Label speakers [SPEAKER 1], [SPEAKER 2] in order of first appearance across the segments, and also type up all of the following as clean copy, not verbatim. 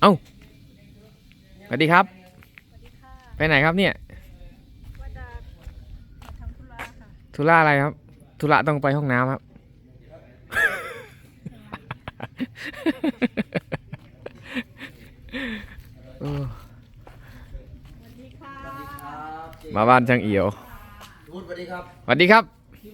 [SPEAKER 1] อ้าสวัสดีครับ
[SPEAKER 2] สวัสดีค่ะ
[SPEAKER 1] ไปไหนครับเนี่ย
[SPEAKER 2] ว่าจะมาทำธุระค่ะ
[SPEAKER 1] ธุระอะไรครับ ธุระต้องไปห้องน้ำครับ
[SPEAKER 2] สวัสดีค่ะ
[SPEAKER 1] มาบ้านช่างเอี่ยว
[SPEAKER 3] พูดสวัสดีครับ
[SPEAKER 1] สวัสดีครับ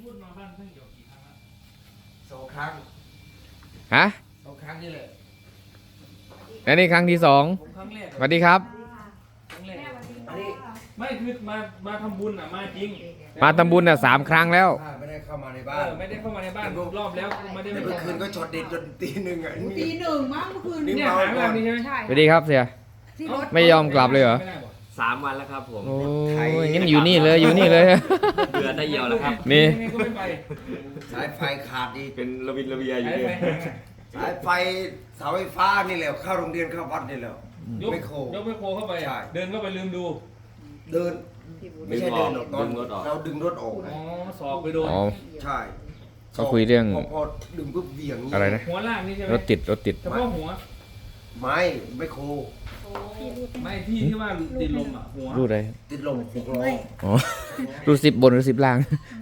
[SPEAKER 3] สองครั้ง
[SPEAKER 1] ฮะ
[SPEAKER 3] สองครั้งนี่แหละ
[SPEAKER 1] และนี่ครั้งที่สอง
[SPEAKER 4] ผมครั้งแรก
[SPEAKER 1] สวัสดีครับ
[SPEAKER 4] ครั้งแรก
[SPEAKER 3] อันนี้
[SPEAKER 4] ไม่คือมาทำบุญอ่ะมาจริง
[SPEAKER 1] มาทำบุญน่ะ3 ครั้งแล้ว
[SPEAKER 3] ไม่ได้เข้ามาใน
[SPEAKER 4] เอ
[SPEAKER 3] บ้าน
[SPEAKER 4] อไม่ได้เข้ามาในบ้านรอบแล้วไม่ได้
[SPEAKER 3] แต่เมื่อคืนก็ช็อตเด็ดจนตีหนึ่งอ่ะ
[SPEAKER 5] ตีหนึ่งมั้งเมื่อคืน
[SPEAKER 4] เนี่ยหางานนี่ใช่ไหม
[SPEAKER 5] ใช่
[SPEAKER 1] สวัสดีครับเสีย
[SPEAKER 5] ที่รถ
[SPEAKER 1] ไม่ยอมกลับเลยเหรอ
[SPEAKER 4] ไม่ได้หรอ
[SPEAKER 6] 3 วันแล้วครับผม
[SPEAKER 1] โอ้ยงั้นอยู่นี่เลยอยู่นี่เลย
[SPEAKER 6] เดือนได้เหี่ยวแล้วครับ
[SPEAKER 1] นี่
[SPEAKER 4] ยังไงก็ไม่ไป
[SPEAKER 3] สายไฟขาดอีก
[SPEAKER 6] เป็นระวินระเบียอยู่
[SPEAKER 4] ไอ้
[SPEAKER 6] เนี่ย
[SPEAKER 4] ไป
[SPEAKER 3] สายไฟเสาไฟฟ้านี่แหละเข้าโรงเรียนเข้าวัดนี่แหละ
[SPEAKER 4] ยก
[SPEAKER 3] ไม่โค
[SPEAKER 4] ยกไม่โคเข้าไป
[SPEAKER 3] ใช่
[SPEAKER 4] เดินเข้าไปลืมดู
[SPEAKER 3] เดินไม่ใช่เดินหรอกตอนเราดึงรถออก
[SPEAKER 4] อ๋อสอบไปโดน
[SPEAKER 1] อ๋อ
[SPEAKER 3] ใช่
[SPEAKER 1] เขาคุยเรื่อง
[SPEAKER 3] พอดึงปุ๊บเหวี่ยง
[SPEAKER 1] อะไรนะ
[SPEAKER 4] หัวล่างนี่ใช่ไหม
[SPEAKER 1] รถติดรถติด
[SPEAKER 4] เฉพาะหัว
[SPEAKER 3] ไม่โค
[SPEAKER 4] ไม่ที่ที่ว่าติดลมอ่ะหัว
[SPEAKER 1] รูดอะไร
[SPEAKER 3] ติดลมหกล้อ
[SPEAKER 1] อ๋อ รูด10 บนหรือ10 ล่าง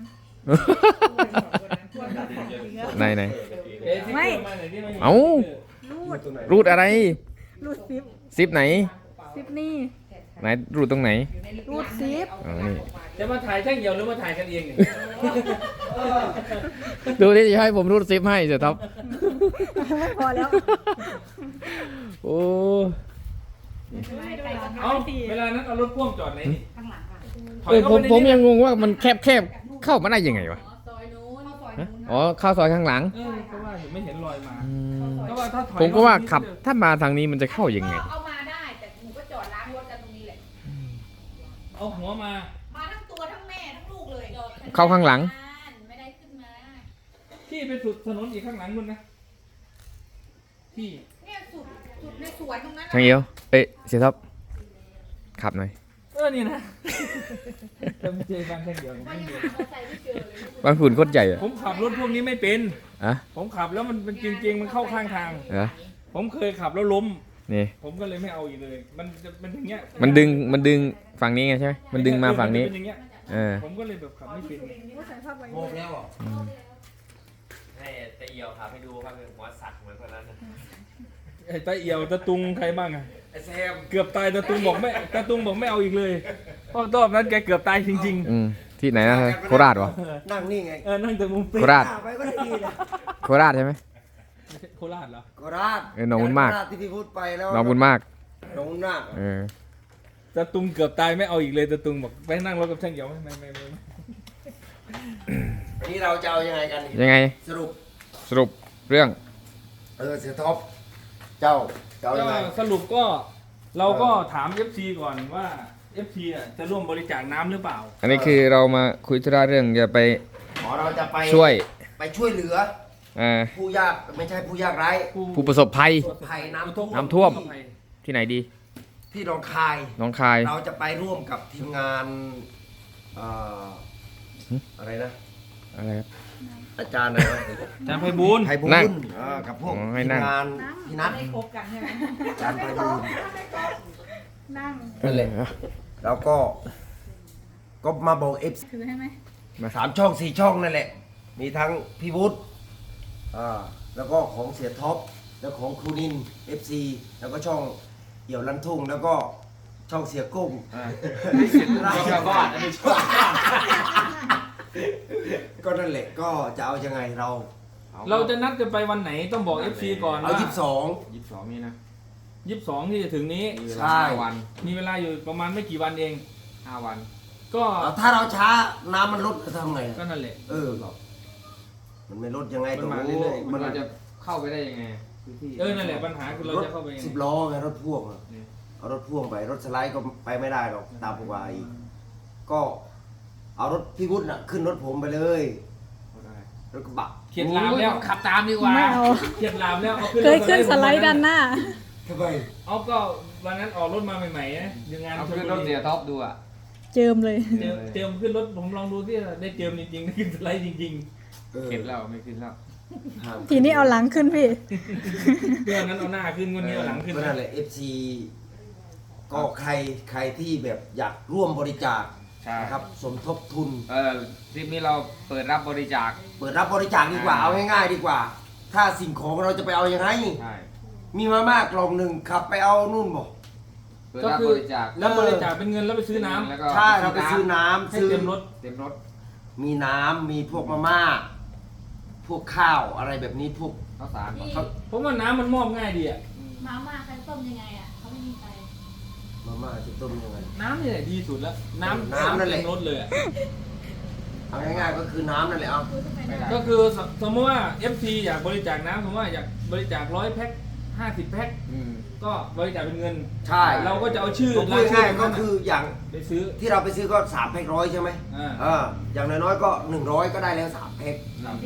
[SPEAKER 1] ไหนไหน
[SPEAKER 4] เอ๊ะที่เกิดมาไหนที่มัน
[SPEAKER 1] เอ้า
[SPEAKER 2] รูด
[SPEAKER 1] รูดอะไร
[SPEAKER 2] รูดซิป
[SPEAKER 1] 10 ไหน
[SPEAKER 2] ซิปนี่
[SPEAKER 1] ไหนรูดตรงไหน
[SPEAKER 2] รูดซิป
[SPEAKER 1] อ๋อนี่
[SPEAKER 4] จะมาถ่ายช่างเหี่ยวหรือมาถ่ายกันเองเนี่ย
[SPEAKER 1] ดูที่จะให้ผมรูด10ให้เสียท็อป
[SPEAKER 2] ไม่พอแล้ว
[SPEAKER 1] โอ้
[SPEAKER 4] เอ้าเวลานั้นเอารถพ่วงจอดไหนนี่
[SPEAKER 5] ข้างหลังค่ะ
[SPEAKER 4] ถอยเข้าไปใน
[SPEAKER 1] ผม
[SPEAKER 4] นี้
[SPEAKER 1] ยังงงว่ามันแคบเข้ามาได้ยังไงวะ
[SPEAKER 5] ซอยนู้นซอย
[SPEAKER 1] ฮะ
[SPEAKER 5] นู้น
[SPEAKER 1] อ๋อเข้าซอยข้างหลัง
[SPEAKER 4] เออเพราะว่าไม่เห็นรอยมา
[SPEAKER 1] อืม
[SPEAKER 4] เพราะว่าถ้าถอย
[SPEAKER 1] ผมก็ว่าขับถ้ามาทางนี้มันจะเข้ายังไง
[SPEAKER 5] เอามาได้แต่หนูก็จอดล้างรถกันตรงนี้แหละ
[SPEAKER 4] เอาหัวมา
[SPEAKER 5] มาทั้งตัวทั้งแม่ทั้งลูกเลย
[SPEAKER 1] เข้าข้างหลัง
[SPEAKER 5] ไม่ได้ขึ้นมา
[SPEAKER 4] ที่ไปสุดถนนอีกข้างหลังนู่นนะที่
[SPEAKER 5] เนี่ยสุดในสวนตรงนั้น
[SPEAKER 1] ช่างเอียวเอ้ยเสียท็อปขับหน่อย
[SPEAKER 4] นี่นะจำเจบางแค่เดียว
[SPEAKER 5] ว่ายังหาเราใส่ไม่เจอเลย
[SPEAKER 1] บางฝุ่นโคตรใหญ่อะ
[SPEAKER 4] ผมขับรถพวกนี้ไม่เป็น
[SPEAKER 1] อะ
[SPEAKER 4] ผมขับแล้วมันเป็นจริงๆมันเข้าข้างทาง
[SPEAKER 1] เหรอ
[SPEAKER 4] ผมเคยขับแล้วล้ม
[SPEAKER 1] นี่
[SPEAKER 4] ผมก็เลยไม่เอาอีกเลย มันจะเป็นอย่างเงี้ย
[SPEAKER 1] มันดึงฝั่งนี้ไงใช่ไหมมันดึงมาฝั่งนี้
[SPEAKER 4] เป็นอย่างเงี้ย
[SPEAKER 1] เออ
[SPEAKER 4] ผมก็เลยแบบขับไม่เป็น
[SPEAKER 2] ว่าใส่ผ้าใบ
[SPEAKER 3] โมกแล้วอ่ะ
[SPEAKER 6] ให้ตะเหี่ยวครับให้ดูครับหัวสัตว์เหมือนคนนั้นนะ
[SPEAKER 4] ไอ้ตาเอี่ยวตาตุงใครบ้างอะ
[SPEAKER 3] ไอ้แซม
[SPEAKER 4] เกือบตายตาตุงบอกไม่เอาอีกเลยเพราะรอบนั้นแกเกือบตายจริง
[SPEAKER 1] อืมที่ไหนนะโคราชวะ
[SPEAKER 3] นั่งนี่ไง
[SPEAKER 4] ๆนั่งแต่มุม
[SPEAKER 1] โคราช
[SPEAKER 3] ไปก็ได้ดีเลย
[SPEAKER 1] โคราชใช่ไหม
[SPEAKER 4] โคราชเหรอ
[SPEAKER 3] โคราช
[SPEAKER 1] เออหนองบุญมาก
[SPEAKER 3] โครชที่พี่พูดไปแล้ว
[SPEAKER 1] น้องบุญมาก
[SPEAKER 3] หนองบุญมาก
[SPEAKER 1] เออ
[SPEAKER 4] ตาตุงเกือบตายไม่เอาอีกเลยตาตุงบอกไปนั่งรถกับช่างเหี่ยวไม่
[SPEAKER 3] อันนี้เราจะเอายังไงกัน
[SPEAKER 1] ยังไง
[SPEAKER 3] สรุป
[SPEAKER 1] สรุปเรื่อง
[SPEAKER 3] เสียท็อปเจ้าจะเอา
[SPEAKER 4] ก็
[SPEAKER 3] ยังไง
[SPEAKER 4] สรุปก็เราก็ถาม FC ก่อนว่า FC อ่ะจะร่วมบริจาคน้ำหรือเปล่า
[SPEAKER 1] อันนี้คือเรามาคุยธุระเรื่องจะไป
[SPEAKER 3] เราจะไป
[SPEAKER 1] ช่วย
[SPEAKER 3] ไปช่วยเหลือ ผู้ยากไม่ใช่ผู้ยากไร้
[SPEAKER 1] ผู้ประสบภัย
[SPEAKER 3] ภัยน้ำท่วม
[SPEAKER 1] น้ำท่วม ที่ไหนดี
[SPEAKER 3] ที่หนองคาย
[SPEAKER 1] น้องคาย
[SPEAKER 3] เราจะไปร่วมกับทีมงานเอ่ออะไรนะ
[SPEAKER 1] อะไรครับ
[SPEAKER 3] อาจารย์อะไรนะ
[SPEAKER 4] อาจารย์ไพบูลย์
[SPEAKER 3] ไทยบุ
[SPEAKER 1] นั่ง
[SPEAKER 3] ญกับพวก
[SPEAKER 1] อ๋อให้
[SPEAKER 3] ทีม
[SPEAKER 1] นั่ง
[SPEAKER 3] งานพี่นัท
[SPEAKER 5] ไม่คบกันใช่ไหม
[SPEAKER 3] อาจารย์ไทยบุญ
[SPEAKER 2] นั่ง
[SPEAKER 3] นั่นแหละแล้วก็มาบอกเอฟ
[SPEAKER 2] ถือให้ไหม
[SPEAKER 3] 3 ช่อง 4 ช่องนั่นแหละ มีทั้งพี่วุฒิแล้วก็ของเสียท็อปแล้วของครูนิน FC แล้วก็ช่องเหี่ยวลันทุ่งแล้วก็ช่องเสียกุ้งราชบ้านก็นั่นแหละก็จะเอายังไงเรา
[SPEAKER 4] เราจะนัดกันไปวันไหนต้องบอก FC ก่อน
[SPEAKER 3] เอา
[SPEAKER 4] ว่า
[SPEAKER 1] 22นี่นะ
[SPEAKER 4] 22ที่จะถึงนี้
[SPEAKER 3] ใช่
[SPEAKER 4] มีเวลาอยู่ประมาณไม่กี่วันเอง
[SPEAKER 1] 5 วัน
[SPEAKER 4] ก็
[SPEAKER 3] ถ้าเราช้าน้ำมันลดจะทำไง
[SPEAKER 4] ก็นั่นแหละ
[SPEAKER 3] มันไม่ลดยังไง
[SPEAKER 4] มันมาเรื่อยๆ
[SPEAKER 3] มัน
[SPEAKER 1] เราจะเข้าไปได้ยังไง
[SPEAKER 4] นั่นแหละปัญหาคือเราจะเข้าไปยังไง
[SPEAKER 3] 10 ล้อไงรถพ่วงอะ
[SPEAKER 1] นี่
[SPEAKER 3] เอารถพ่วงไปรถสไลด์ก็ไปไม่ได้หรอกตามปกติก็เอารถพี่วุฒิน่ะขึ้นรถผมไปเลยรถกระบะ
[SPEAKER 4] เขียนลามแล้วขับตามดีกว่า
[SPEAKER 2] ไม่เอา
[SPEAKER 4] เขียนลามแล้วเอา
[SPEAKER 2] เคยขึ้นสไลด์ด้านหน้า
[SPEAKER 3] ทำไม
[SPEAKER 4] เอาก็วันนั้นออกรถมาใหม่ๆนะยังงาน
[SPEAKER 1] เอาขึ้นรถเสียท็อปดูอ่ะ
[SPEAKER 2] เจิมเลย
[SPEAKER 4] เจิมขึ้นรถผมลองดูที่ได้เจิมจริงๆได้ขึ้นสไลด์จริง
[SPEAKER 3] เออ
[SPEAKER 1] เก็บแล้วไม่ขึ้นแล้ว
[SPEAKER 4] ๆ
[SPEAKER 3] ห้าม
[SPEAKER 2] ทีนี้เอาหลังขึ้นพี่
[SPEAKER 4] เรื่องนั้นเอาหน้าขึ้นคนนี้เอาหลังขึ้น
[SPEAKER 3] ก็นั่นแหละ FC ก็ใครที่แบบอยากร่วมบริจาค
[SPEAKER 1] ใช่
[SPEAKER 3] นะครับสมทบทุน
[SPEAKER 1] ทริปนี้เราเปิดรับบริจาค
[SPEAKER 3] เปิดรับบริจาคดีกว่า เอาง่ายๆดีกว่า ถ้าสิ่งของเราจะไปเอายังไง
[SPEAKER 1] ใช่
[SPEAKER 3] มีมาม่ากล่องหนึ่งขับไปเอานู่นบ่
[SPEAKER 1] เปิด
[SPEAKER 4] ก็
[SPEAKER 1] รับ
[SPEAKER 4] คื
[SPEAKER 1] บ
[SPEAKER 4] อ
[SPEAKER 1] ริจาค
[SPEAKER 4] แล้วบริจาคเป็นเงินแล้วไปซื้อน้ำ
[SPEAKER 1] แล้วก็
[SPEAKER 3] ใช่เราไปซื้อน้ำ
[SPEAKER 4] ให้
[SPEAKER 3] ซื้อ
[SPEAKER 4] เต็มรถ
[SPEAKER 1] เต็มรถ
[SPEAKER 3] มีน้ำมีพวกมาม่า พวกข้าวอะไรแบบนี้พวก
[SPEAKER 1] ข้าวสาร
[SPEAKER 5] พี่
[SPEAKER 4] ผมว่าน้ำมันมอบง่ายดีอะ
[SPEAKER 5] มาม่าใครต้มยังไงอ่ะเขาไม่มีไฟ
[SPEAKER 3] มาม่าจะต้มยังไง
[SPEAKER 4] น้ำนี่แหละดีสุดแล้ว น้ำ
[SPEAKER 3] น้ำนั่นแหละ
[SPEAKER 4] เต็มรถเลยอะ
[SPEAKER 3] เอาง่ายๆก็คือน้ำนั่นแหละเอา
[SPEAKER 5] คุยขึ้นไปได้
[SPEAKER 4] ก็คือสมมติว่า FC อยากบริจาคน้ำสมมติว่าอยากบริจาค100 แพ็ค50 แพ็ค
[SPEAKER 1] อืม
[SPEAKER 4] ก็บริจาคเป็นเงิน
[SPEAKER 3] ใช่
[SPEAKER 4] เราก็จะเอาชื่อ
[SPEAKER 3] ผมพูดง่ายๆก็คืออย่าง
[SPEAKER 4] ไปซื้อ
[SPEAKER 3] ที่เราไปซื้อก็3 แพ็ค100ใช่ไหม
[SPEAKER 4] อ่า
[SPEAKER 3] อย่างน้อยๆก็100ก็ได้แล้ว3 แพ็ค
[SPEAKER 5] ดี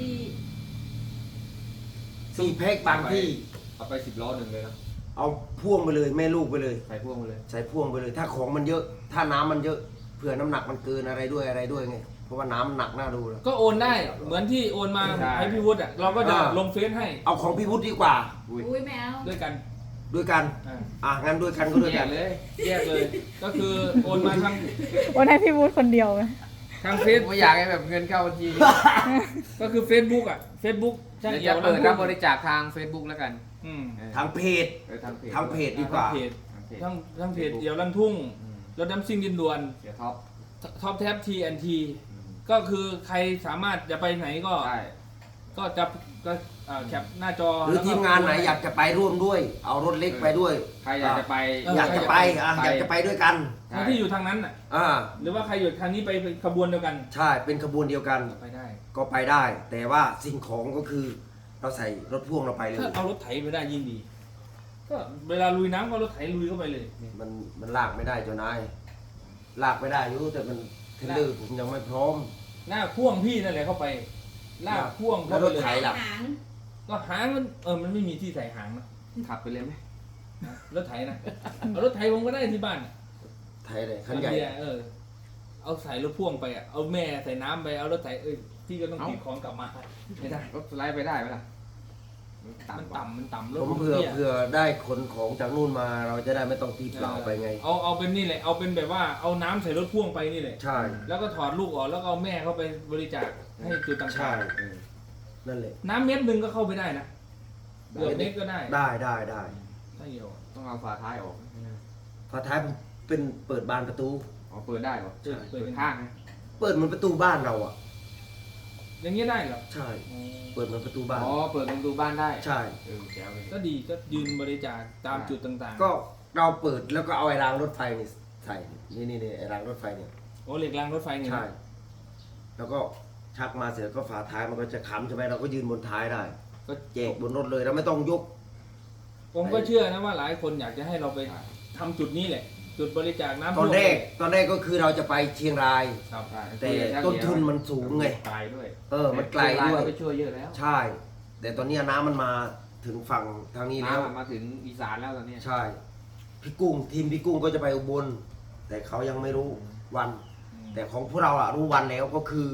[SPEAKER 3] 4 แพ็คบางที่
[SPEAKER 1] เอาไป10 ล้อหนึ่งเลยนะ
[SPEAKER 3] เอาพ่วงไปเลยแม่ลูกไปเลย
[SPEAKER 1] ใส่พ่วงไปเลย
[SPEAKER 3] ใส่พ่วงไปเลย ถ้าของมันเยอะ ถ้าน้ำมันเยอะเผื่อน้ำหนักมันเกินอะไรด้วยไงเพราะว่าน้ำมันหนักน่าดูแล้ว
[SPEAKER 4] ก็โอนได้เหมือนที่โอนมา
[SPEAKER 1] ใช่
[SPEAKER 4] ให้พี่วุฒิอ่ะเราก็จะ
[SPEAKER 3] อ่า
[SPEAKER 4] ลงเฟซให้
[SPEAKER 3] เอาของพี่วุฒิดีกว่า
[SPEAKER 1] อุ้ย
[SPEAKER 5] อุ้ยแมว
[SPEAKER 4] ด้วยกัน
[SPEAKER 3] ด้วยกัน
[SPEAKER 4] อ่า
[SPEAKER 3] งั้นด้วยกันก็ด้วย
[SPEAKER 1] แย
[SPEAKER 3] กั
[SPEAKER 1] ก
[SPEAKER 3] น
[SPEAKER 1] เลย
[SPEAKER 4] แยกเลย ก็คือโอนมาทาง
[SPEAKER 2] โอนให้พี่วูดคนเดียวไหม
[SPEAKER 4] ทางเฟซ
[SPEAKER 1] ไม่อยากให้แบบเงินเข้าบัญชี
[SPEAKER 4] ก็คือ Facebook อ่ะ Facebook
[SPEAKER 1] เดี๋ยวจะเปิดรับบริจาคทาง Facebook แล้วกัน
[SPEAKER 4] อืม
[SPEAKER 3] ทางเพจ
[SPEAKER 1] ทางเพจ
[SPEAKER 3] ทางเพจดีกว่า
[SPEAKER 4] เพจ
[SPEAKER 1] ทางเพจ
[SPEAKER 4] ทั้งเพจเดี่ยวลั่นทุ่ง
[SPEAKER 1] อืม
[SPEAKER 4] รถน้ำซิ่งดินด่วน
[SPEAKER 1] เสียท็อป
[SPEAKER 4] ท็อปแท็บ TNT ก็คือใครสามารถจะไปไหนก็
[SPEAKER 1] ใช่
[SPEAKER 4] ก็จะก็แคปหน้าจอ
[SPEAKER 3] หรือ
[SPEAKER 4] แล้วก็
[SPEAKER 3] ทีมงานไหนอยากจะไปร่วมด้วย เอารถเล็กไปด้วย
[SPEAKER 1] ใครอยากจะไป
[SPEAKER 3] อยากจะไปอยากจะไปด้วยกัน
[SPEAKER 4] ทั้งที่อยู่ทางนั้นน่ะ
[SPEAKER 3] อ่า
[SPEAKER 4] หรือว่าใครอยู่ทางนี้ไปขบวนเดียวกัน
[SPEAKER 3] ใช่เป็นขบวนเดียวกัน
[SPEAKER 4] ไปได้
[SPEAKER 3] ก็ไปได้ แต่ว่าสิ่งของก็คือเราใส่รถพ่วงเราไปเลย
[SPEAKER 4] ถ้าเอารถไถไปได้ยิ่งดี ก็เวลาลุยน้ำก็เอารถไถลุยเข้าไปเลย
[SPEAKER 3] มันลากไม่ได้เจ้านายลากไม่ได้รู้แต่มันเทรลเลอร์ผมยังไม่พร้อม
[SPEAKER 4] หน้าพ่วงพี่นั่นแหละเข้าไปลากพ่วงเข้าไป
[SPEAKER 3] แล้วรถ
[SPEAKER 4] เลย
[SPEAKER 3] ไถล่ะ
[SPEAKER 5] หาง
[SPEAKER 4] ก็หางมันมันไม่มีที่ใส่หางนะ
[SPEAKER 1] ขับไปเลยไหม
[SPEAKER 4] รถไถนะเอารถไถผมก็ได้ที่บ้าน
[SPEAKER 3] ไทยเลยคันใหญ่
[SPEAKER 4] เบียร์เอาใส่รถพ่วงไปอ่ะเอาแม่ใส่น้ำไปเอารถไถพี่ก็ต้องติดของกลับมาไม่ได้
[SPEAKER 1] รถสไลด์ไปได้ไหมล่ะ
[SPEAKER 4] มันต่ำรถ
[SPEAKER 3] ผมเผื่อได้ขนของจากนู่นมาเราจะได้ไม่ต้องตีเปล่าไปไง
[SPEAKER 4] เอาเป็นนี่แหละเอาเป็นแบบว่าเอาน้ำใส่รถพ่วงไปนี่แหละ
[SPEAKER 3] ใช่
[SPEAKER 4] แล้วก็ถอดลูกออกแล้วก็เอาแม่เข้าไปบริจาคให้จุดต่าง
[SPEAKER 3] ใช่
[SPEAKER 4] ๆ
[SPEAKER 3] นั่นแหละ
[SPEAKER 4] น้ำเม็ดหนึ่งก็เข้าไปได้นะเกือบเม็ดก็ได้
[SPEAKER 3] ได้
[SPEAKER 4] ถ้าเหี่ยว
[SPEAKER 1] ต้องเอาฝาท้ายออก
[SPEAKER 3] ฝาท้ายผมเป็นเปิดบานประตู
[SPEAKER 1] อ๋อเปิดได้เหรอ
[SPEAKER 4] เปิด
[SPEAKER 1] เปิดข้างนะ
[SPEAKER 3] เปิดเหมือนประตูบ้านเราอ่ะ
[SPEAKER 4] อย่างนี้ได้เหรอ
[SPEAKER 3] ใช่ เปิดเหมือนประตูบ้าน
[SPEAKER 1] อ๋อเปิดประตูบ้านได้
[SPEAKER 3] ใช่
[SPEAKER 1] แจ๋วเลย
[SPEAKER 4] ก็ดีก็ยืนบริจาคตามจุดต่างๆ
[SPEAKER 3] ก็เราเปิดแล้วก็เอาไอ้รางรถไฟนี่ใส่นี่ไอ้รางรถไฟเนี่ย
[SPEAKER 4] โอ้เหล็กรางรถไฟนี่นะ
[SPEAKER 3] ใช่ แล้วก็ชักมาเสร็จก็ฝาท้ายมันก็จะค้ำใช่ไหมเราก็ยืนบนท้ายได้
[SPEAKER 4] ก็
[SPEAKER 3] แจกบนรถเลยเราไม่ต้องยก
[SPEAKER 4] ผมก็เชื่อนะว่าหลายคนอยากจะให้เราไปทำจุดนี้แหละ จุดบริจาคน้ำ
[SPEAKER 3] ตอนแรกก็คือเราจะไปเชียงราย
[SPEAKER 4] ครับ
[SPEAKER 1] ใช่
[SPEAKER 3] แต่ต้นทุนมันสูงไง
[SPEAKER 1] ไกลด้วย
[SPEAKER 3] มันไกลด้วย
[SPEAKER 1] ไปช่วยเยอะแล้ว
[SPEAKER 3] ใช่ แต่ตอนนี้น้ำมันมาถึงฝั่งทางนี้แล้ว
[SPEAKER 1] น้ำมาถึงอีสานแล้วตอนนี้
[SPEAKER 3] ใช่ พี่กุ้งทีมพี่กุ้งก็จะไปอุบล แต่เขายังไม่รู้วัน แต่ของพวกเราอะรู้วันแล้วก็คือ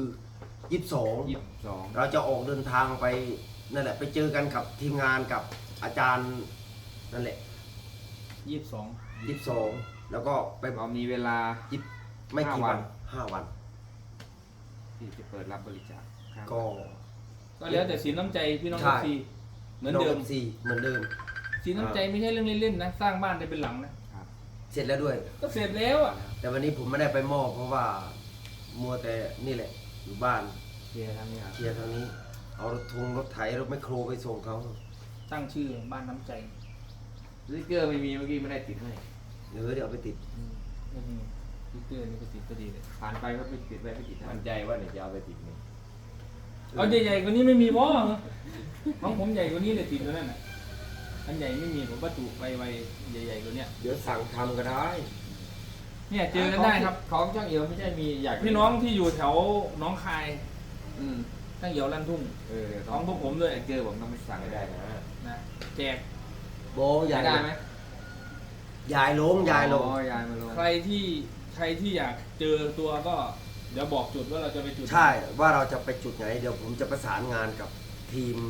[SPEAKER 3] 22
[SPEAKER 1] 22
[SPEAKER 3] เราจะออกเดินทางไปนั่นแหละไปเจอกันกับทีมงานกับอาจารย์นั่นแหละ
[SPEAKER 4] 22
[SPEAKER 3] 22แล้วก็ไป
[SPEAKER 1] เรามีเวลา
[SPEAKER 3] ไม่กี่
[SPEAKER 1] 5
[SPEAKER 3] วัน5 วัน
[SPEAKER 1] ที่จะเปิดรับบริจาคครับ
[SPEAKER 3] ก็
[SPEAKER 4] ก็แล้วแต่สินน้ำใจพี่น้อง
[SPEAKER 3] ใช่
[SPEAKER 4] ทีเหมือนเดิม
[SPEAKER 3] สี่เหมือนเดิม
[SPEAKER 4] สินน้ำใจไม่ใช่เรื่องเล่นๆนะสร้างบ้านได้เป็นหลังนะ
[SPEAKER 3] เสร็จแล้วด้วย
[SPEAKER 4] ก็เสร็จแล้วอ่ะ
[SPEAKER 3] แต่วันนี้ผมไม่ได้ไปมอบเพราะว่ามัวแต่นี่แหละอยู่บ้าน
[SPEAKER 1] เคลียร์ทั้งนี้ครับ
[SPEAKER 3] เคลียร์ทางนี้ เอารถไถรถแมคโครไปส่งเขา
[SPEAKER 4] ตั้งชื่อบ้านน้ำใจ
[SPEAKER 1] สติ๊กเกอร์ไม่มีเมื่อกี้ไม่ได้ติดให้
[SPEAKER 3] เดี๋ยวเอาไปติด
[SPEAKER 4] นี่สติ๊กเกอร์นี่ก็ติดก็ดีเลย
[SPEAKER 1] ผ่านไปก็ไม่ติดไปไม่ติดให้
[SPEAKER 6] มั่นใจว่าเดี๋ยวจะเอาไปติดนี่
[SPEAKER 4] เอาใหญ่ๆกว่านี้ไม่มีวะของผมใหญ่กว่านี้เลยติดตัวนั่นน่ะอันใหญ่ไม่มีผมบรรจุไปไวใหญ่ๆกว่าเนี้ย
[SPEAKER 3] เดี๋ยวสั่งทำก็ได้
[SPEAKER 4] เนี่ยเจอกันได้ครับ
[SPEAKER 1] ของช่างเอียวไม่ใช่มีอยาก
[SPEAKER 4] พี่น้องที่อยู่แถวหน้องคาย
[SPEAKER 1] อืม
[SPEAKER 4] ตั้งเหี่ยวลั่นทุ่ง
[SPEAKER 1] เดี๋ยว
[SPEAKER 4] ของพวกผมด้วย
[SPEAKER 1] สติ๊กเกอร์ผมต้องไปสั่ง
[SPEAKER 6] ไม่
[SPEAKER 1] ให้
[SPEAKER 6] ได้
[SPEAKER 1] ได้
[SPEAKER 6] นะ
[SPEAKER 4] นะแจก
[SPEAKER 3] โบยาย
[SPEAKER 1] ได้ไหม
[SPEAKER 3] ยายลง
[SPEAKER 1] อ๋อยายมาลง
[SPEAKER 4] ใครที่อยากเจอตัวก็เดี๋ยวบอกจุดว่าเราจะไปจุด
[SPEAKER 3] ใช่ว่าเราจะไปจุดไหน เดี๋ยวผมจะประสานงานกับทีม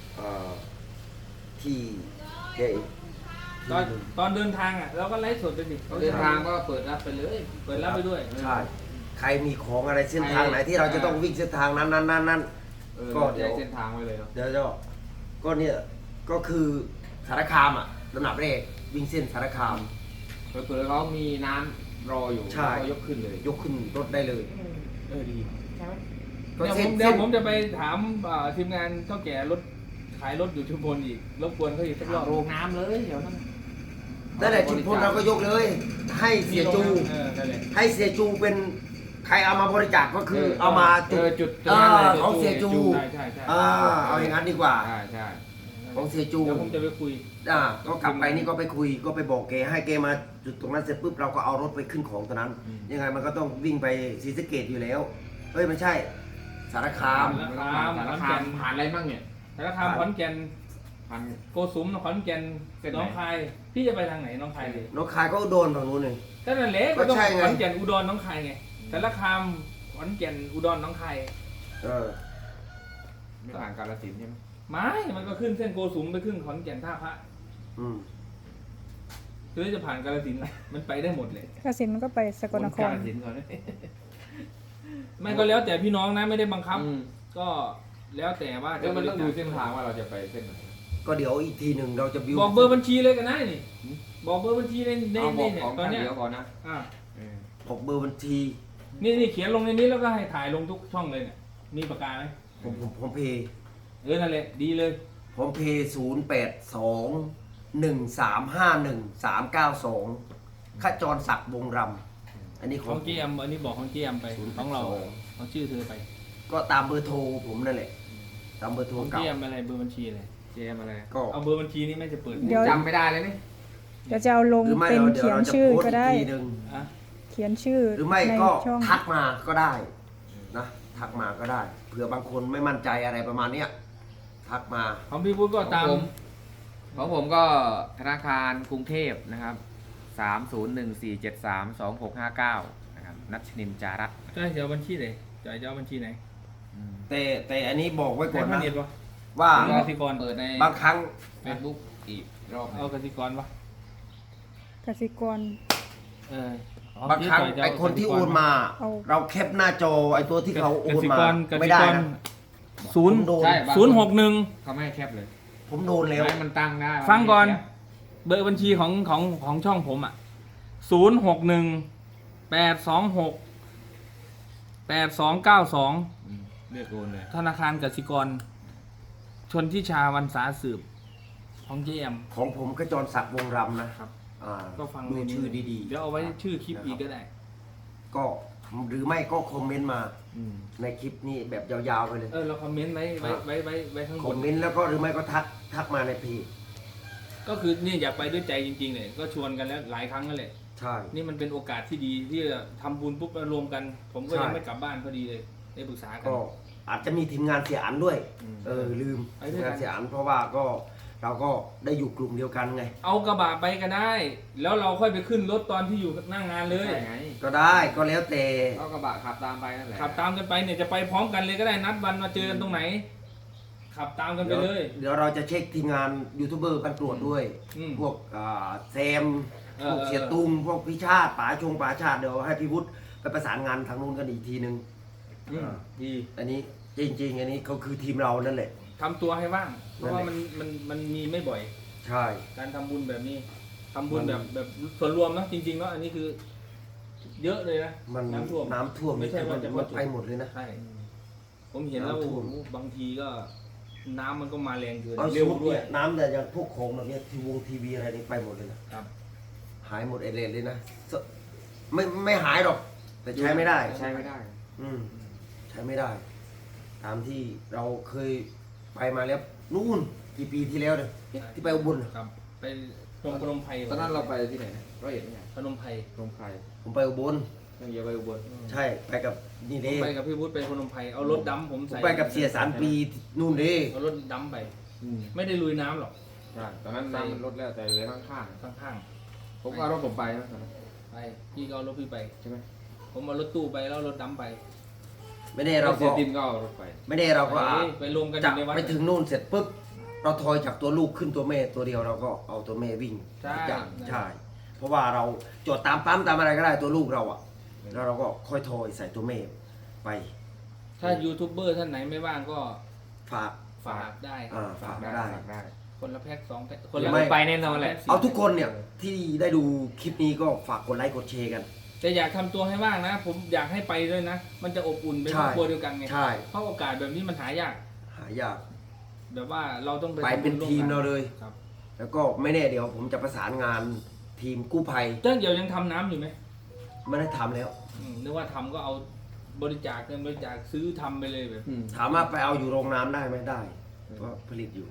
[SPEAKER 3] ที่แกอีก
[SPEAKER 4] ตอนเดินทางอ่ะเราก็ไลฟ์สดไปสิ
[SPEAKER 1] เดินทางก็เปิดรับไปเลย
[SPEAKER 4] เปิดรับไปด้วย
[SPEAKER 3] ใช่ใครมีของอะไรเส้นทางไหนที่เราจะต้องวิ่งเส้นทางนั้น ก็
[SPEAKER 1] ก็
[SPEAKER 3] เดี๋
[SPEAKER 1] เดี๋
[SPEAKER 3] ย
[SPEAKER 1] ยว วเส้นทางไว้เลยเนาะ
[SPEAKER 3] เดี๋ยวจะก็เนี่ยก็คือสารคามอ่ะลำดับแรกวิ่งเส้นสารคาม
[SPEAKER 1] เผื่อเขามีน้ำรออยู่
[SPEAKER 3] ใช่
[SPEAKER 1] ก็ยกขึ้นเลย
[SPEAKER 3] ยกขึ้นรถได้เลย
[SPEAKER 4] ดี
[SPEAKER 1] ใช่ไหม
[SPEAKER 3] ก็
[SPEAKER 4] เดี๋ยว
[SPEAKER 3] เส้
[SPEAKER 4] ผ
[SPEAKER 3] น
[SPEAKER 4] ม
[SPEAKER 3] เส้น
[SPEAKER 4] ผมจะไปถามทีมงานเท่าแก่รถขายรถอยู่ชุมพลอีกรบกวนเขาอีกสักรอบ
[SPEAKER 1] โรงน้ำเลยเดี๋ยวนั้น
[SPEAKER 3] นั่นแหละชุมพลเราก็ยกเลย ให้เสียจู
[SPEAKER 4] นั่นแหละ
[SPEAKER 3] ให้เสียจูเป็นใครเอามาบริจาคก็คือเอามา
[SPEAKER 1] จุด
[SPEAKER 3] นั้นเลย
[SPEAKER 1] จุด
[SPEAKER 3] ของเสียจู
[SPEAKER 4] ใช่ใช่ใช่
[SPEAKER 3] เอาอย่างนั้นดีกว่า
[SPEAKER 1] ใช่ใช่
[SPEAKER 3] ของเสียจู
[SPEAKER 4] เดี๋ยวผมจะไปคุย
[SPEAKER 3] ก็กลับไปนี่ก็ไปคุยก็ไปบอกแกให้แกมาจุดตรงนั้นเสร็จปุ๊บเราก็เอารถไปขึ้นของตรงนั้น ยังไงมันก็ต้องวิ่งไปศรีสะเกษอยู่แล้วเฮ้ยไม่ใช่ สารคาม
[SPEAKER 1] สารคามผ่านอะไรบ้างเนี่ย
[SPEAKER 4] สารคามขอนแก่น
[SPEAKER 1] ผ่าน
[SPEAKER 4] โกสุมขอนแก่น
[SPEAKER 1] เส้นไหน
[SPEAKER 4] น้องคายพี่จะไปทางไหนน้องคายเลย
[SPEAKER 3] น้องคายก็โดนฝั่งนู้นเลย
[SPEAKER 4] ก็นั่นแหละ
[SPEAKER 3] ก็
[SPEAKER 4] ก็ต้อง
[SPEAKER 3] ใช่ไง
[SPEAKER 4] ขอนแก่นอุดรน้องคายไงสารคามขอนแก่นอุดรน้องคาย
[SPEAKER 3] เออ
[SPEAKER 1] ไม่ผ่านกาฬสินธุ์ใช่ไหม
[SPEAKER 4] ไม่มันก็ขึ้นเส้นโกสุมไปขึ้นขอนแก่นท่าพระ
[SPEAKER 3] อืม
[SPEAKER 4] หรือจะผ่านกาฬสินธุ์ล่ะมันไปได้หมดเลย
[SPEAKER 2] กสินมันก็ไปสกลนค
[SPEAKER 1] การ ฬสินธุ์ก่อน
[SPEAKER 4] ไม่ก็แล้วแต่พี่น้องนะไม่ได้บังคับ
[SPEAKER 1] อืม
[SPEAKER 4] ก็แล้วแต่ว่า
[SPEAKER 1] แล้วมันต้องดูเส้นทางว่าเราจะไปเส้นไหน
[SPEAKER 3] ก็เดี๋ยวอีกทีหนึ่งเราจะบิว
[SPEAKER 4] บอกเบอร์บัญชีเลยกันได้นี่บอกเบอร์บัญชีใน
[SPEAKER 1] เอาบอก
[SPEAKER 4] เนี่ย
[SPEAKER 1] ของ
[SPEAKER 4] ตอน
[SPEAKER 1] ท่าน
[SPEAKER 4] เนี้ย
[SPEAKER 1] เดียวก่อนนะ
[SPEAKER 4] อ่า
[SPEAKER 1] เออ
[SPEAKER 3] บอกเบอร์บัญชี
[SPEAKER 4] นี่เขียนลงในนี้แล้วก็ให้ถ่ายลงทุกช่องเลยเนี่ยมีปากกาไหม
[SPEAKER 3] ผมเพย์
[SPEAKER 4] นั่นแหละดีเลย
[SPEAKER 3] ผมเพย์082-1351-392ขจรศักดิ์วงรำอันนี้ข
[SPEAKER 4] ข
[SPEAKER 3] อ
[SPEAKER 4] อง งเจมอันนี้บอกของเจมไปของเราของชื่อเธอไป
[SPEAKER 3] ก็ตามเบอร์โทรผมนั่นแหละ ตามเบอร์โทร
[SPEAKER 4] ของเจ
[SPEAKER 3] เก่าม
[SPEAKER 4] อะไรเบอร์บัญชีอะไร
[SPEAKER 1] เจมอะไร
[SPEAKER 3] ก็
[SPEAKER 4] เอาเบอร์บัญชีนี้ไม่จะเปิด
[SPEAKER 2] เดี๋ยว
[SPEAKER 1] จำไม่ได้เลยนี่
[SPEAKER 2] เดี๋ยวจะเอาลง
[SPEAKER 3] หรือไม่
[SPEAKER 2] เป็น
[SPEAKER 3] เดี๋ยว
[SPEAKER 2] เขียน
[SPEAKER 3] เราจะ
[SPEAKER 2] ชื่อ
[SPEAKER 3] โพสต์
[SPEAKER 2] ก็
[SPEAKER 3] อีก
[SPEAKER 2] ได้
[SPEAKER 3] ทีหนึ่ง
[SPEAKER 4] อ่ะ
[SPEAKER 2] เขียนชื่อ
[SPEAKER 3] หรือไม่
[SPEAKER 2] ใน
[SPEAKER 3] ก็
[SPEAKER 2] ช่อง
[SPEAKER 3] ทักมาก็ได้นะทักมาก็ได้เผื่อบางคนไม่มั่นใจอะไรประมาณเนี้ยทักมา
[SPEAKER 4] ของพี่พุทธก็ตาม
[SPEAKER 1] ของผมก็ธนาคารกรุงเทพนะครับ3014732659นะครับนัชนินจารัตน์
[SPEAKER 4] จะให้เอาบัญชีไหนจะเอาบัญชีไหน
[SPEAKER 3] แต่อันนี้บอกไว้ก่อน
[SPEAKER 4] ให้
[SPEAKER 3] นะ
[SPEAKER 4] พาณิชย์ปะ
[SPEAKER 3] ว่า
[SPEAKER 4] กสิกร
[SPEAKER 1] เปิดใน
[SPEAKER 3] บางครั้ง
[SPEAKER 1] เฟซบุ๊กอีกรอบหนึ่ง
[SPEAKER 4] เอากสิกรปะ
[SPEAKER 2] กสิกร
[SPEAKER 4] เออ
[SPEAKER 3] บางครั้งไอคนที่โอนมา
[SPEAKER 2] เอา
[SPEAKER 3] เราแคปหน้าจอไอตัวที่เขาโอนมา
[SPEAKER 4] ก
[SPEAKER 3] ไม่
[SPEAKER 4] สิ
[SPEAKER 3] ได้
[SPEAKER 4] กร
[SPEAKER 3] นะ
[SPEAKER 4] ศูนย์
[SPEAKER 3] ผมโดน
[SPEAKER 1] ใช่บางค
[SPEAKER 4] 061
[SPEAKER 1] เขาไม่ให้แคปเลย
[SPEAKER 3] ผมโดนแล้ว
[SPEAKER 1] ให้มันตั้งได้
[SPEAKER 4] ฟังก่อนเบอร์บัญชีของช่องผมอ่ะ061-826-8292
[SPEAKER 1] เรียกโอนเลย
[SPEAKER 4] ธนาคารกสิกร ชนทิชาวันสาสืบของเจม
[SPEAKER 3] ของผมก็จรศักดิ์วงรำนะครับ
[SPEAKER 4] ก็ฟัง
[SPEAKER 3] ดู
[SPEAKER 4] ในนี้
[SPEAKER 3] ชื่อดี
[SPEAKER 4] เดี๋ยวเอาไว้ชื่อคลิปอีกก็ได้
[SPEAKER 3] ๆ ก็หรือไม่ก็คอมเมนต์มาในคลิปนี้แบบยาวๆไปเลย
[SPEAKER 4] เราคอมเมนต์ไว้ข้าง
[SPEAKER 3] ค
[SPEAKER 4] บ
[SPEAKER 3] อน มเมนต์แล้วก็หรือไม่ก็ทักมาในเพจ
[SPEAKER 4] ก็คือนี่อยากไปด้วยใจจริงๆเลยก็ชวนกันแล้วหลายครั้งนั่นแหละ
[SPEAKER 3] ใช่
[SPEAKER 4] นี่มันเป็นโอกาสที่ดีที่จะทำบุญปุ๊บมารวมกัน ผมก็
[SPEAKER 3] ใช่
[SPEAKER 4] ยังไม่กลับบ้านพอดีเลยได้ปรึกษากัน
[SPEAKER 3] ก็อาจจะมีทีมงานเสียอันด้วย ลืม
[SPEAKER 4] ไป
[SPEAKER 3] ที
[SPEAKER 4] ด้
[SPEAKER 3] ม
[SPEAKER 4] วยกัน
[SPEAKER 3] งานเสียอันเพราะว่าก็เราก็ได้อยู่กลุ่มเดียวกันไง
[SPEAKER 4] เอากระบะไปก็ได้ แล้วเราค่อยไปขึ้นรถตอนที่อยู่หน้างานเลย
[SPEAKER 1] ใช่ไง
[SPEAKER 3] ก็ได้ก็แล้วแต่
[SPEAKER 1] ก็กระบะขับตามไปนั่นแหละ
[SPEAKER 4] ขับตามกันไปเนี่ยจะไปพร้อมกันเลยก็ได้นัดวันมาเจอกันตรงไหน ขับตามกันไปเลย
[SPEAKER 3] เดี๋ยวเราจะเช็คทีมงานยูทูบเบอร์กันตรวจด้วย
[SPEAKER 4] อืม
[SPEAKER 3] พวกแซม
[SPEAKER 4] เอ
[SPEAKER 3] พ
[SPEAKER 4] อ
[SPEAKER 3] วกเสียตุงพวกพิชาติป๋าชาติเดี๋ยวให้พี่วุฒิไปประสานงานทางนู้นกันอีกทีนึง
[SPEAKER 4] ดี
[SPEAKER 3] อันนี้จริงๆ อันนี้ก็คือทีมเรานั่นแหละ
[SPEAKER 4] ทำตัวให้ว่าง เพราะว่า
[SPEAKER 3] นั่นแหละ
[SPEAKER 4] มันมีไม่บ่อย
[SPEAKER 3] ใช่
[SPEAKER 4] การทำบุญแบบนี้ทำบุญแบบส่วนรวมนะจริงๆเนาะอันนี้คือ เยอะเลยนะ
[SPEAKER 3] มัน
[SPEAKER 4] น้ำท่วม
[SPEAKER 3] น้ำท่วม
[SPEAKER 4] ไม่ใช่ว่าจะ
[SPEAKER 3] มันไปหมดเลยนะ
[SPEAKER 4] ใช่ผมเห็นแล้ว
[SPEAKER 3] น้ำท่วม
[SPEAKER 4] โอ้โหบางทีก็ น้ำมันก็มาแรงเกิน
[SPEAKER 3] เอา
[SPEAKER 4] เร็ว
[SPEAKER 3] สุด
[SPEAKER 4] ด้ว
[SPEAKER 3] เนี่ย ยน้ำแต่อย่างพวกของแบบเนี้ยทีวีอะไรนี่ไปหมดเลยนะ
[SPEAKER 4] ครับ
[SPEAKER 3] หายหมดเอเลนเลยนะไม่หายหรอก แต่ใช้ไม่ได้
[SPEAKER 1] ใช้ไม่ได้
[SPEAKER 3] ใช้ไม่ได้ ตามที่เราเคยไปมาแล้วนู่นกี่ปีที่แล้วเนี่ยที่ไปอุบลน่ะ
[SPEAKER 4] ครับไปพนมไพร
[SPEAKER 1] ตอนนั้นเราไปที่ไหนนะร้อยเอ็ดเนี่ย
[SPEAKER 4] พนมไพร
[SPEAKER 1] ตรงใคร
[SPEAKER 3] ผมไปอุบล
[SPEAKER 1] ต้องเยอะไปอุบล
[SPEAKER 3] ใช่ไปกับนี่
[SPEAKER 4] ผ
[SPEAKER 3] เด้
[SPEAKER 4] มไปกับพี่วุฒิไปพนมไพรเอารถดำผม
[SPEAKER 3] ผม
[SPEAKER 4] ใส่
[SPEAKER 3] ไปกับเสียสารปีนู่นเด้
[SPEAKER 4] เอารถดำไป ไม่ได้ลุยน้ำหรอก
[SPEAKER 1] ใช่ตอนนั้นน้ำมันลดแล้วแต่เหลือข้าง
[SPEAKER 4] ข้าง
[SPEAKER 1] ๆผมก็เอารถผมไปนะตอนนั้น
[SPEAKER 4] ๆไปพี่ก็เอารถพี่ไป
[SPEAKER 1] ใช่ไหม
[SPEAKER 4] ผมเอารถตู้ไปแล้วเอารถดำไป
[SPEAKER 3] ไม่ได้เรา
[SPEAKER 4] เสี
[SPEAKER 3] ก็
[SPEAKER 4] ยตินก็เอารถไป
[SPEAKER 3] ไม่ได้เราก็
[SPEAKER 4] ไปรวมกันอ
[SPEAKER 3] จับ
[SPEAKER 4] ยู่ในวัด
[SPEAKER 3] ไปถึงนู่นเสร็จปุ๊บเราทอยจากตัวลูกขึ้นตัวแม่ตัวเดียวเราก็เอาตัวแม่วิ่ง
[SPEAKER 4] ใช่
[SPEAKER 3] จับใช่เพราะว่าเราจอดตามปั๊มตามอะไรก็ได้ตัวลูกเราอ่ะแล้วเราก็ค่อยทอยใส่ตัวแม่ไป
[SPEAKER 4] ถ้ายูทูบเบอร์ท่านไหนไม่ว่างก็
[SPEAKER 3] ฝาก
[SPEAKER 4] ฝากได้ค
[SPEAKER 3] อ่า
[SPEAKER 4] รับ
[SPEAKER 3] ฝาก
[SPEAKER 1] ได้
[SPEAKER 3] ได้
[SPEAKER 1] ฝากได้
[SPEAKER 4] คนละแพ็ค2 แพ็ค
[SPEAKER 3] หรือไม่
[SPEAKER 1] ไปแน่นอนแหละ
[SPEAKER 3] เอาทุกคนเนี่ยที่ได้ดูคลิปนี้ก็ฝากกดไลค์กดแชร์กัน
[SPEAKER 4] แต่อยากทำตัวให้ว่างนะ ผมอยากให้ไปด้วยนะ มันจะอบอุ่นเป็น
[SPEAKER 3] ใช่
[SPEAKER 4] ครอบครัวเดียวกันไง
[SPEAKER 3] ใช่
[SPEAKER 4] เพราะโอกาสแบบนี้มันหายาก
[SPEAKER 3] หายาก
[SPEAKER 4] แบบว่าเราต้อง
[SPEAKER 3] ไปเป็นทีมเราเลย
[SPEAKER 4] ครับ
[SPEAKER 3] แล้วก็ไม่แน่เดี๋ยวผมจะประสานงานทีมกู้ภัย
[SPEAKER 4] เจ้าเดี๋ยวยังทำน้ำอยู่ไหม
[SPEAKER 3] ไม่ได้ทำแล้ว
[SPEAKER 4] นึกว่าทำก็เอาบริจาคเงินบริจาคซื้อทำไปเลยแบบ
[SPEAKER 3] ถามว่าไปเอาอยู่โรงน้ำได้ไหมได้เพราะผลิตอยู่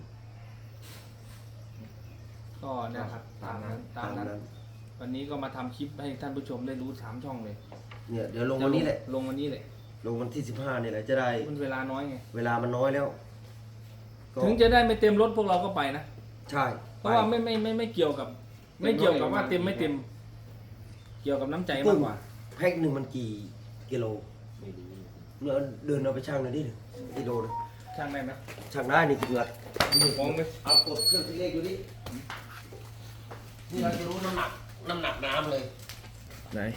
[SPEAKER 4] ก็นะครับตามนั้น
[SPEAKER 3] ตามนั้น
[SPEAKER 4] วันนี้ก็มาทำคลิปให้ท่านผู้ชมได้รู้3 ช่องเลย
[SPEAKER 3] เนี่ยเดี๋ยวลงวันนี้แหละ
[SPEAKER 4] ลงวันนี้แหละ
[SPEAKER 3] ลงวันที่ 15นี่แหละจะได้
[SPEAKER 4] มันเวลาน้อยไง
[SPEAKER 3] เวลามันน้อยแล้วก็
[SPEAKER 4] ถึงจะได้ไม่เต็มรถพวกเราก็ไปนะ
[SPEAKER 3] ใช่
[SPEAKER 4] เพราะว่าไม่เกี่ยวกับ ไม่เกี่ยวกับว่าเต็มไม่เต็ม เกี่ยวกับน้ำใจมากกว่า
[SPEAKER 3] แพ็คหนึ่งมันกี่กิโล
[SPEAKER 6] ไม่ดี
[SPEAKER 3] เนี่ยเดินเอาไปช่างหน่อยดิกิโลนะ
[SPEAKER 4] ช่างได้ไหม
[SPEAKER 3] ช่างได้นี่เกือบ
[SPEAKER 4] มองไป
[SPEAKER 3] เอากดเครื่องคิดเลขดูดินี่เราจะรู้น้ำหนักน้ำเลย
[SPEAKER 1] ไหน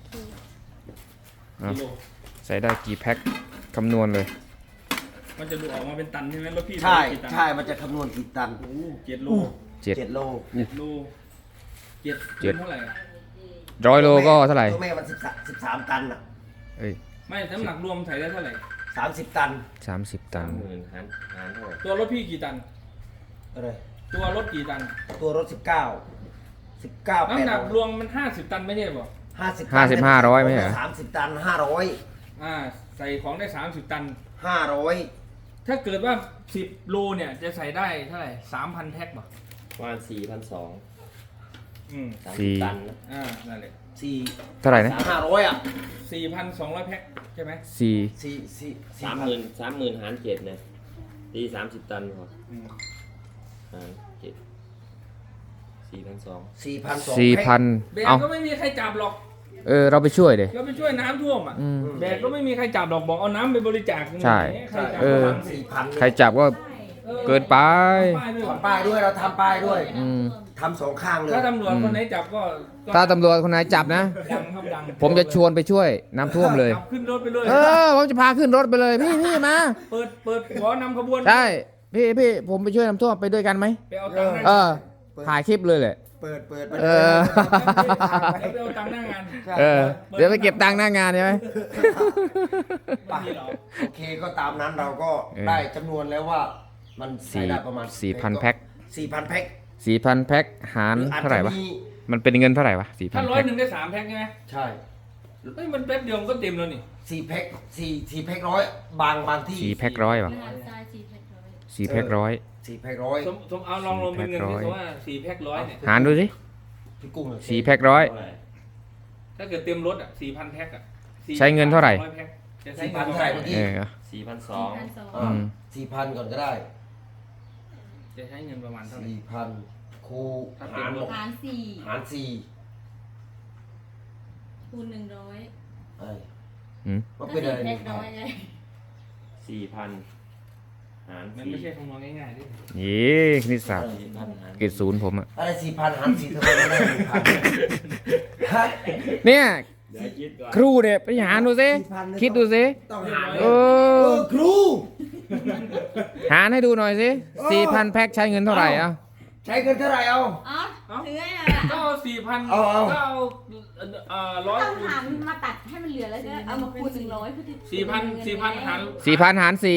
[SPEAKER 4] กิโล
[SPEAKER 1] ใส่ได้กี่แพ็คคำนวณเลย
[SPEAKER 4] มันจะดูออกมาเป็นตันใช่ไหมรถพี่
[SPEAKER 3] ใช่
[SPEAKER 4] กี่ตัน
[SPEAKER 3] ใช่มันจะคำนวณกี่ตัน
[SPEAKER 4] โอ้โห7 โล
[SPEAKER 1] 7
[SPEAKER 3] 7 โล
[SPEAKER 4] 7 โลเจ็ด
[SPEAKER 1] เจ็ด
[SPEAKER 4] เท่าไหร่
[SPEAKER 1] 100 โลก็เท่าไหร่
[SPEAKER 3] ตัวแม่มัน13ตันอ่ะ
[SPEAKER 1] เอ้ย
[SPEAKER 4] ไม่น้ำหนักรวมใส่ได้เท่าไหร่
[SPEAKER 3] 30 ตัน
[SPEAKER 1] 30 ตัน
[SPEAKER 6] 30,000หารเท่าไหร่
[SPEAKER 4] ตัวรถพี่กี่ตัน
[SPEAKER 3] อะไร
[SPEAKER 4] ตัวรถกี่ตัน
[SPEAKER 3] ตัวรถ19
[SPEAKER 4] น้ำหนักร
[SPEAKER 3] 8
[SPEAKER 4] วมมัน50 ตันไม่ใช่ป่ะ
[SPEAKER 3] 50
[SPEAKER 1] 50 500ไม่ใช่เหรอ
[SPEAKER 3] 30 ตัน
[SPEAKER 4] ใส่ของได้30 ตัน
[SPEAKER 3] 500
[SPEAKER 4] ถ้าเกิดว่า10 โลเนี่ยจะใส่ได้เท่าไหร่ 3,000 แพ็คป่ะ
[SPEAKER 6] ประมาณ4,200
[SPEAKER 4] อืม
[SPEAKER 6] 30 ตันนะ
[SPEAKER 4] นั่นแหละ
[SPEAKER 3] 4
[SPEAKER 1] เท่าไหร่นะ
[SPEAKER 3] 500อ่ะ
[SPEAKER 4] 4,200 แพ็คใช่ไหม
[SPEAKER 1] 4
[SPEAKER 6] 30,000หาร7เนี่ยตี30 ตันพอ
[SPEAKER 4] อืม
[SPEAKER 6] หาร7 4,200
[SPEAKER 1] 4,000
[SPEAKER 4] แบก
[SPEAKER 1] เอา
[SPEAKER 4] ก็ไม่มีใครจับหรอก
[SPEAKER 1] เราไปช่วยดิ
[SPEAKER 4] เราไปช่วยน้ำท่วมอ่ะ
[SPEAKER 1] อืม
[SPEAKER 4] แบกก็ไม่มีใครจับหรอกบอกเอาน้ำไปบริจาค
[SPEAKER 1] ใช่
[SPEAKER 4] ใครจับ
[SPEAKER 1] เออ
[SPEAKER 4] ก็ทำสิ
[SPEAKER 3] 4,000
[SPEAKER 1] ใครจับก็
[SPEAKER 4] ออ
[SPEAKER 1] เกินไป
[SPEAKER 4] ป้ายด้วยเหรอ
[SPEAKER 3] ทำป้ายด้วยเราทำป้ายด้วย
[SPEAKER 1] อืม
[SPEAKER 3] ทำสองข้างเลย
[SPEAKER 4] ถ้าตำรวจคนไหนจับก็
[SPEAKER 1] ถ้าตำรวจคนไหนจับนะ
[SPEAKER 4] ดังครับดัง
[SPEAKER 1] ผมจะชวนไปช่วยน้ำท่วมเลย
[SPEAKER 4] จับขึ้นรถไปเลย
[SPEAKER 1] ผมจะพาขึ้นรถไปเลย พี่มา
[SPEAKER 4] เปิดหัวนำขบวน
[SPEAKER 1] ใช่ พี่ผมไปช่วยน้ำท่วมไปด้วยกันไหม
[SPEAKER 4] ไปเอาตังค์ห
[SPEAKER 1] เอ
[SPEAKER 4] น้า
[SPEAKER 1] อ ถ่ายคลิปเลยแหละ
[SPEAKER 3] เปิด
[SPEAKER 1] เออ
[SPEAKER 4] เดี๋ยวไปเอาตังค์หน้างาน
[SPEAKER 1] เดี๋ยวไปเก็บตังค์หน้างานใช่ไหม
[SPEAKER 4] ไม่มีหรอก
[SPEAKER 3] โอเคก็ตามนั้นเราก็
[SPEAKER 1] เออ
[SPEAKER 3] ได้จำนวนแล้วว่ามันใส่ได้ประมาณ
[SPEAKER 1] 4,000 แพ็ค
[SPEAKER 3] 4,000 แพ็ค
[SPEAKER 1] 4,000 แพ็คหาร
[SPEAKER 3] อจ
[SPEAKER 1] เท่าไหร่วะ
[SPEAKER 3] จมี
[SPEAKER 1] มันเป็นเงินเท่าไหร่วะ
[SPEAKER 4] ถ้า
[SPEAKER 1] 4,000
[SPEAKER 4] ร้อย
[SPEAKER 1] แพ็ค
[SPEAKER 4] หนึ่งได้3 แพ็คใช่ไหม
[SPEAKER 3] ใช่
[SPEAKER 4] เฮ้ยมันแป๊บเดียวมันก็เต็มแล้วนี่
[SPEAKER 3] 4 แพ็ค4แพ็คร้อยบางที่
[SPEAKER 1] 4 แพ็คร้อยวะ
[SPEAKER 5] งานทราย4 แพ็คร้อย
[SPEAKER 1] 4 แพ็คร้อย
[SPEAKER 3] 4แพ็คร้อย
[SPEAKER 4] สมเอาลองลงเป็นเงิน
[SPEAKER 1] 4
[SPEAKER 4] ที่
[SPEAKER 1] แพ็คร้อย
[SPEAKER 4] ว่า4 แพ็คร้อยเนี่ย
[SPEAKER 1] หารดูสิ
[SPEAKER 3] พี่กุ้งเลย
[SPEAKER 1] 4 แพ็คร้อย
[SPEAKER 6] เท่าไหร่
[SPEAKER 4] ถ้าเกิดเต็มรถอ่ะ4,000 แพ็คอ่ะ
[SPEAKER 1] ใช้เงินเท่าไหร่
[SPEAKER 4] 100แพ็คจะใช้เงิน
[SPEAKER 3] 4,000 เท่าไหร่เมื่อกี้
[SPEAKER 6] 4,200
[SPEAKER 5] 4,200
[SPEAKER 1] อืม
[SPEAKER 3] 4,000 ก่อนก็ได้
[SPEAKER 4] จะใช้เงินประมาณเท่าไหร่
[SPEAKER 3] 4,000 คูณ
[SPEAKER 4] ถ้าเต็
[SPEAKER 3] หาม ร
[SPEAKER 4] รถ
[SPEAKER 5] หาร
[SPEAKER 3] หาร
[SPEAKER 5] คูณ100
[SPEAKER 3] 4ไอ้
[SPEAKER 1] อืม
[SPEAKER 3] ว่าเป็นอะไร
[SPEAKER 5] แพ็คร้อยไง
[SPEAKER 6] 4,000หาร
[SPEAKER 4] มันไม่ใช่คำนวณง่ายๆดิ
[SPEAKER 1] ยี่คณิตศาสตร์
[SPEAKER 6] 4,000หาร
[SPEAKER 1] เกรดศูนย์ผมอะ
[SPEAKER 3] อะไร4,000 หาร 4ทำไมไม่ได้ 1,000ฮะ
[SPEAKER 1] เนี่ย
[SPEAKER 6] เดี๋ยวคิดก่อน
[SPEAKER 1] ครูเนี่ยไปหารดูสิ
[SPEAKER 3] 4,000
[SPEAKER 1] คิดดูสิ
[SPEAKER 3] ต้องหาร
[SPEAKER 1] เอ
[SPEAKER 3] ครู
[SPEAKER 1] หารให้ดูหน่อยสิ 4,000 แพ็คใช้เงินเท่าไหร่อ่ะ
[SPEAKER 3] ใช้เงินเท่าไหร่เอา
[SPEAKER 5] อ๋อถือไงอ่ะ
[SPEAKER 4] ก็เอา4,000
[SPEAKER 3] เอา
[SPEAKER 4] ก็เอาร้อย
[SPEAKER 5] ต้องหารมาตัดให้มันเหลือแล้วก็เอามาคูณ100เพื่อที่
[SPEAKER 4] 4,000หาร
[SPEAKER 1] 4,000 หาร 4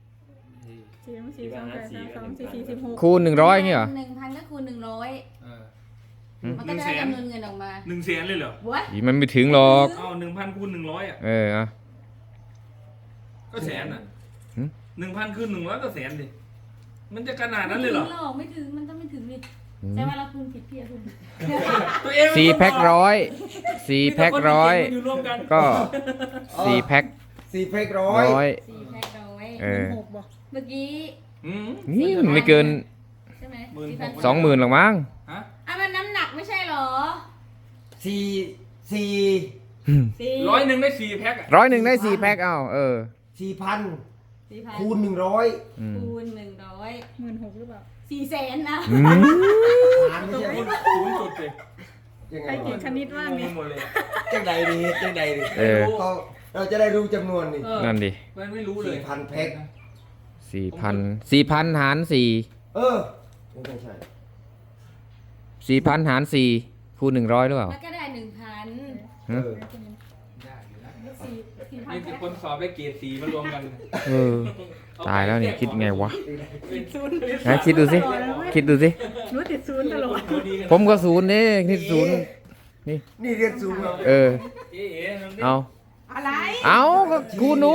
[SPEAKER 2] 4
[SPEAKER 1] คูณ 100อย่างเงี้ยเหรอ
[SPEAKER 5] 1,000ก็คูณ100
[SPEAKER 4] เออ
[SPEAKER 5] มันก็ได้จำนวนเงินออกมา
[SPEAKER 4] 100,000เลยเหรอ
[SPEAKER 5] วะ
[SPEAKER 1] อีมันไม่ถึงหรอก
[SPEAKER 4] เอา1,000คูณ100อ่ะ
[SPEAKER 1] อ่ะ
[SPEAKER 4] ก็แสนอ่ะ
[SPEAKER 1] หืม
[SPEAKER 4] 1,000คูณ100ก็แสนดิมันจะขนาดนั้นเลยเหรอ
[SPEAKER 5] ไม่ถึงมันต้องไม่ถึงดิแต่ว่าเราคูณผิดพี่อะคุณ
[SPEAKER 4] ตัวเอง
[SPEAKER 1] 4 แพ็คร้อย4 แพ็คร้อย
[SPEAKER 4] อยู่รวมกัน
[SPEAKER 1] ก็ 4 แพ็ค
[SPEAKER 3] 4แพ็คร้อ
[SPEAKER 1] ร้อย ย
[SPEAKER 5] 4แพ็คร้อย
[SPEAKER 1] เออ
[SPEAKER 2] 6บ่
[SPEAKER 5] เมื่อกี้
[SPEAKER 4] อืม
[SPEAKER 1] นี่มันไม่เกิน
[SPEAKER 5] ใช่ไหม
[SPEAKER 1] 20,000หรอกมั้ง
[SPEAKER 4] ฮะ
[SPEAKER 5] อ่ะมันน้ำหนักไม่ใช่เหรอ
[SPEAKER 3] 4
[SPEAKER 5] 4
[SPEAKER 4] 100ได้4แพ็คอ่ะ
[SPEAKER 1] 100 ได้ 4 แพ็คเอา
[SPEAKER 3] 4,000
[SPEAKER 5] 4,000
[SPEAKER 3] คูณ 100
[SPEAKER 1] อืม
[SPEAKER 5] คูณ100
[SPEAKER 2] 16,000หรือเปล่า
[SPEAKER 5] 400,000นะ
[SPEAKER 1] อืม
[SPEAKER 3] หารไม่ใช่
[SPEAKER 4] ศูนย์จุดเลย
[SPEAKER 3] ยังไง
[SPEAKER 2] ใครเก่ง
[SPEAKER 3] วะ
[SPEAKER 2] คณิตว่าง
[SPEAKER 4] ง
[SPEAKER 2] เนี่ย
[SPEAKER 4] งหมดเลย
[SPEAKER 3] จังใดดีจังใดดี
[SPEAKER 1] เออ
[SPEAKER 3] เราจะได้รู้จำนวนนี่
[SPEAKER 4] เออ
[SPEAKER 1] นั่นดิ
[SPEAKER 4] มันไม่รู้เลย
[SPEAKER 3] 4,000 แพ็ค
[SPEAKER 1] 4,000 หาร
[SPEAKER 3] เออไม่ใช่
[SPEAKER 1] 4,000 หาร 4 คูณ 100 หรือเปล่า
[SPEAKER 5] แล้วก็ได้ 1,000
[SPEAKER 3] เออ
[SPEAKER 4] ได้อยู่นะ
[SPEAKER 5] 4,000
[SPEAKER 4] นี่คือคนสอบได้เกรดสีมารวมกัน
[SPEAKER 1] เออ ตายแล้วนี่คิดไงวะ
[SPEAKER 4] เป็นศูนย์
[SPEAKER 1] นะคิดดูสิ คิดดูสิ
[SPEAKER 2] หนูติดศูนย์ตลอด
[SPEAKER 1] ผมก็ศูนย์นี่คิดศูนย์
[SPEAKER 3] นี่เรียนสูงเหรอ
[SPEAKER 1] เออ
[SPEAKER 4] เอ๋น้องดิ
[SPEAKER 1] เอา
[SPEAKER 2] อะไร
[SPEAKER 1] เอาก็คูณดู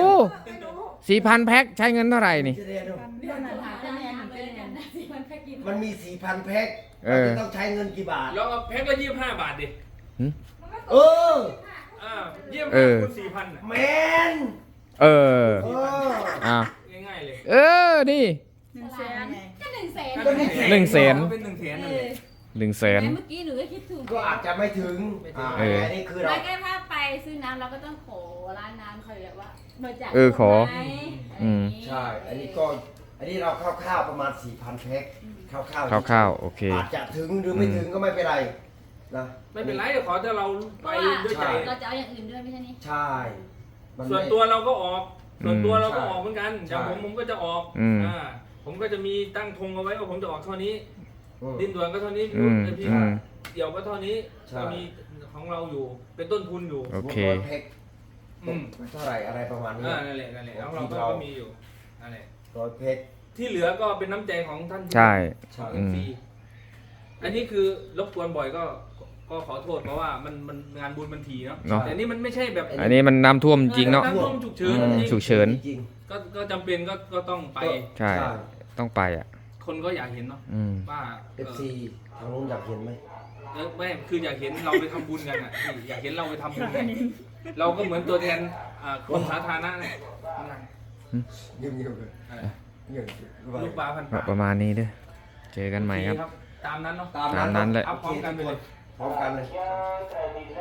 [SPEAKER 1] 4,000 แพ็คใช้เงินเท่าไหร่นี่
[SPEAKER 3] จะเรียนดู
[SPEAKER 5] เรื่องนั้นหาคะแนนเลยกันนะ4,000แพ็กกิน
[SPEAKER 3] มันมี 4,000 แพ็ค
[SPEAKER 1] เออ
[SPEAKER 3] มันจะต้องใช้เงินกี่บาท
[SPEAKER 4] ลองเอาแพ็คละ25 บาทดิ
[SPEAKER 3] เออ
[SPEAKER 1] เออ
[SPEAKER 4] คูณ4,000น่ะ
[SPEAKER 3] แมน
[SPEAKER 1] เออ
[SPEAKER 3] เออ
[SPEAKER 1] อ่ะ
[SPEAKER 4] ง่ายๆเลย
[SPEAKER 1] เออ นี่
[SPEAKER 5] ก็100,000
[SPEAKER 4] ก็
[SPEAKER 1] 100,000
[SPEAKER 4] เป็น100,000นั่น
[SPEAKER 5] เอ
[SPEAKER 4] เลย
[SPEAKER 5] อ
[SPEAKER 1] 100,000
[SPEAKER 5] เมื่อกี้หนูก็คิดถูก
[SPEAKER 3] ก็อาจจะไม่ถึง
[SPEAKER 1] เออ
[SPEAKER 3] อันนี้คือเรา
[SPEAKER 5] ไม่ก็ถ้าไปซื้อน้ำเราก็ต้องขอร้านน้ำเขาแบบว่าบริจาค
[SPEAKER 1] เออขอ
[SPEAKER 5] ไหม
[SPEAKER 1] อืม
[SPEAKER 3] ใช่ อันนี้ก็อันนี้เราคร่าวๆประมาณ 4,000 แพ็คคร่าวๆ
[SPEAKER 1] คร่าวๆโอเค
[SPEAKER 3] อาจจะถึงหรือไม่ถึงก็ไม่เป็นไรนะ
[SPEAKER 4] ไม่เป็นไรขอแต่เรา
[SPEAKER 5] เพ
[SPEAKER 4] ไป
[SPEAKER 5] ราะว่า
[SPEAKER 4] ด้วยใจ
[SPEAKER 5] เราจะเอาอย่างอื่นด้วยไม่ใช่นี่
[SPEAKER 3] ใช่มัน
[SPEAKER 4] ส่วน
[SPEAKER 3] ไม่
[SPEAKER 4] ตัวเราก็ออก ส่วนตัวเราก็
[SPEAKER 3] ใช่
[SPEAKER 4] ออกเหมือนกันอย่างผมก็จะออก
[SPEAKER 1] อืม
[SPEAKER 4] ผมก็จะมีตั้งธงเอาไว้ว่าผมจะออกเท่านี้
[SPEAKER 3] อืม
[SPEAKER 4] ดินด่วนก็เท่านี้
[SPEAKER 1] อืม
[SPEAKER 4] พี่
[SPEAKER 1] อืม
[SPEAKER 4] เดี่ยวก็เท่านี้
[SPEAKER 3] ใช่
[SPEAKER 4] ก็มีของเราอยู่ เป็นต้นทุนอยู่
[SPEAKER 1] โอเค
[SPEAKER 3] 100 แพ็ค
[SPEAKER 4] อืม
[SPEAKER 3] เท่าไหร่อะไรประมาณนี้
[SPEAKER 4] นั่นแหละของเราก็มีอยู่นั่นแหละ
[SPEAKER 3] 100 แพ็ค
[SPEAKER 4] ที่เหลือก็เป็นน้ำใจของท่าน
[SPEAKER 1] ใช่
[SPEAKER 3] ใช่
[SPEAKER 1] อืม
[SPEAKER 4] ฟรีอันนี้คือรบกวนบ่อยก็ขอโทษเพราะว่ามันงานบุญมันทีเนาะ
[SPEAKER 1] เนาะ
[SPEAKER 4] แต่นี่มันไม่ใช่แบบ
[SPEAKER 1] อันนี้มันน้ำท่วมจริงเนาะ
[SPEAKER 4] น้ำท่วมฉุกเฉิน
[SPEAKER 1] อืม
[SPEAKER 4] จริง
[SPEAKER 1] ฉุกเฉิน
[SPEAKER 3] จริง
[SPEAKER 4] ก็จำเป็นก็ต้องไป
[SPEAKER 1] ใช่ ต้องไปอ่ะ
[SPEAKER 4] คนก็อยากเห็นเนาะ
[SPEAKER 1] อืม
[SPEAKER 4] ว่า
[SPEAKER 3] FC ทางนู้นอยากเห็นไหม
[SPEAKER 4] ไม่คืออยากเห็นเราไปทำบุญกันอ่ะพี่อยากเห็นเราไปทำบุญกันเราก็เหมือนตัวแทนคนสาธารณะเนี่ย
[SPEAKER 3] เงียบๆเลยเงียบๆ
[SPEAKER 4] ลูกปลาพันปาก
[SPEAKER 1] ประมาณนี้เด้อ เจอกันใหม่ครับ
[SPEAKER 4] ตามนั้นเนาะ
[SPEAKER 1] ตามนั้นแหละ
[SPEAKER 4] อัพพร้อมกันไปเลย
[SPEAKER 3] พร้อมกันเลย